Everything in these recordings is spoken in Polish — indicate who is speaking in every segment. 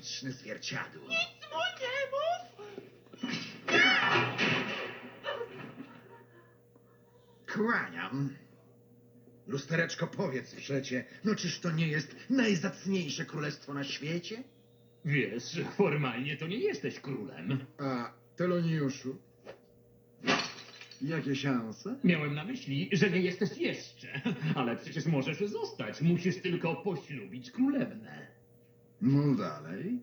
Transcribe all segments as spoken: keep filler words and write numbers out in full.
Speaker 1: magiczne zwierciadło.
Speaker 2: Nic mu nie mów!
Speaker 1: Kłaniam. Lustereczko, powiedz przecie, no czyż to nie jest najzacniejsze królestwo na świecie?
Speaker 3: Wiesz, formalnie to nie jesteś królem.
Speaker 1: A, Teloniuszu? Jakie szanse?
Speaker 3: Miałem na myśli, że nie jesteś jeszcze. Ale przecież możesz zostać. Musisz tylko poślubić królewnę.
Speaker 1: Mów dalej.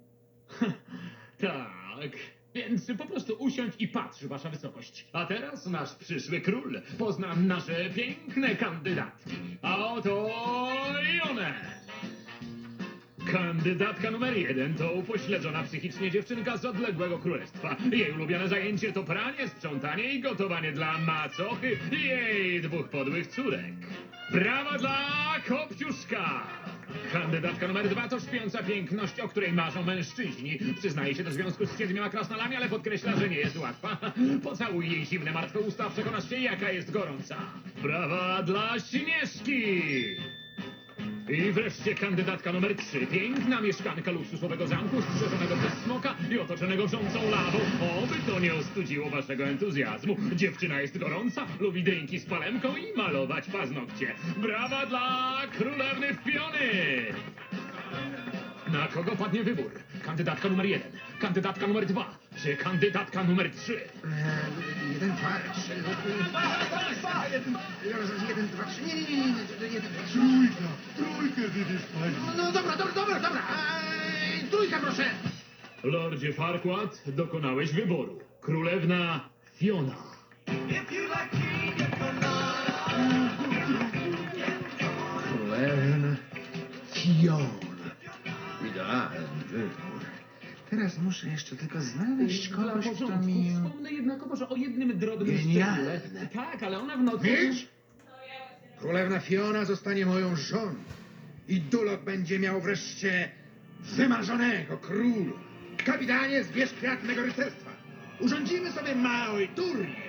Speaker 3: Tak. Więc po prostu usiądź i patrz, wasza wysokość. A teraz nasz przyszły król. Pozna nasze piękne kandydatki. A oto i one. Kandydatka numer jeden to upośledzona psychicznie dziewczynka z odległego królestwa. Jej ulubione zajęcie to pranie, sprzątanie i gotowanie dla macochy i jej dwóch podłych córek. Brawa dla Kopciuszka! Kandydatka numer dwa to śpiąca piękność, o której marzą mężczyźni. Przyznaje się do związku z siedmioma krasnalami, ale podkreśla, że nie jest łatwa. Pocałuj jej zimne, martwe usta, przekonasz się, jaka jest gorąca. Brawa dla Śnieżki! I wreszcie kandydatka numer trzy. Piękna mieszkanka luksusowego zamku, strzeżonego przez smoka i otoczonego wrzącą lawą. Oby to nie ostudziło waszego entuzjazmu. Dziewczyna jest gorąca, lubi drinki z palemką i malować paznokcie. Brawa dla królewny Fiony! Na kogo padnie wybór? Kandydatka numer jeden, kandydatka numer dwa, czy kandydatka numer trzy?
Speaker 1: Eee, jeden, dwa, trzy. Jeden, jeden, dwa, trzy. Nie, nie, nie, nie, jeden, dwa, trzy.
Speaker 4: Trójka, trójkę wybierz pani.
Speaker 1: No dobra, dobra, dobra, dobra. Eee, trójka, proszę.
Speaker 3: Lordzie Farquaad, dokonałeś wyboru. Królewna Fiona.
Speaker 1: Królewna Fiona. Idealny wybór. Teraz muszę jeszcze tylko znaleźć
Speaker 3: Dla
Speaker 1: kogoś, kto
Speaker 3: porządku
Speaker 1: mi...
Speaker 3: wspomnę jednakowoż o jednym drobnym
Speaker 1: Genialne.
Speaker 3: szczególe. Tak, ale ona w nocy...
Speaker 1: Wiesz? Królewna Fiona zostanie moją żoną. I Dulok będzie miał wreszcie wymarzonego króla. Kapitanie, zbierz kwiat mego rycerstwa. Urządzimy sobie mały turniej.